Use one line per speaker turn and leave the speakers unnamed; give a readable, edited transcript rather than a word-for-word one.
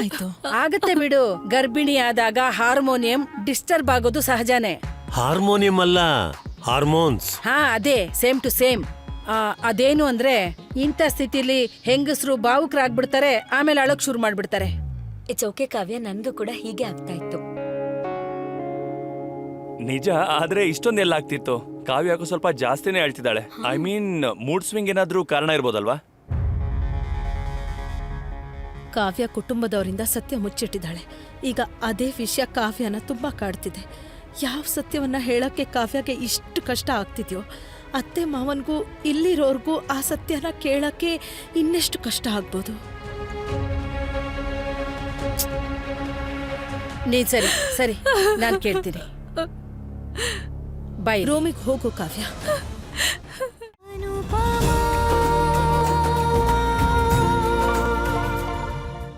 ಏನಾಯ್ತು?
ಆಗತ್ತೆ ಬಿಡು, ಗರ್ಭಿಣಿ ಆದಾಗ ಹಾರ್ಮೋನಿಯಂ ಡಿಸ್ಟರ್ಬ್ ಆಗೋದು ಸಹಜನೇ.
ಹಾರ್ಮೋನಿಯಂ ಅಲ್ಲ, ಹಾರ್ಮೋನ್ಸ್.
ಹಾ ಅದೇ, ಸೇಮ್ ಟು ಸೇಮ್. ಅದೇನು ಅಂದ್ರೆ ಇಂಥ ಸ್ಥಿತಿಲಿ ಹೆಂಗಸರು ಭಾವುಕರಾಗ್ಬಿಡ್ತಾರೆ, ಆಮೇಲೆ ಅಳಕ್ ಶುರು ಮಾಡ್ಬಿಡ್ತಾರೆ.
ಇಟ್ಸ್ ಓಕೆ ಕಾವ್ಯ, ನನ್ಗೂ ಕೂಡ ಹೀಗೆ ಆಗ್ತಾ ಇತ್ತು.
ನಿಜ, ಆದ್ರೆ ಇಷ್ಟೊಂದೆಲ್ಲ ಆಗ್ತಿತ್ತು. ಕಾವ್ಯ ಯಾಕೋ ಸ್ವಲ್ಪ ಜಾಸ್ತಿನೇ ಹೇಳ್ತಿದ್ದಾಳೆ. ಐ ಮೀನ್ ಮೂಡ್ ಸ್ವಿಂಗ್ ಏನಾದ್ರೂ ಕಾರಣ ಇರ್ಬೋದಲ್ವಾ?
ಕಾವ್ಯ ಕುಟುಂಬದವರಿಂದ ಸತ್ಯ ಮುಚ್ಚಿಟ್ಟಿದ್ದಾಳೆ. ಈಗ ಅದೇ ವಿಷಯ ಕಾವ್ಯನ ತುಂಬಾ ಕಾಡ್ತಿದೆ. ಯಾವ ಸತ್ಯವನ್ನ ಹೇಳಕ್ಕೆ ಕಾವ್ಯಗೆ ಇಷ್ಟು ಕಷ್ಟ ಆಗ್ತಿದ್ಯೋ, ಅತ್ತೆ ಮಾವನ್ಗೂ ಇಲ್ಲಿರೋರ್ಗೂ ಆ ಸತ್ಯನ ಕೇಳಕ್ಕೆ ಇನ್ನೆಷ್ಟು ಕಷ್ಟ ಆಗ್ಬೋದು.
ನೀನ್ ಸರಿ ಸರಿ, ನಾನ್ ಕೇಳ್ತೀನಿ. ಬೈ
ರೂಮಿಗೆ ಹೋಗು ಕಾವ್ಯ.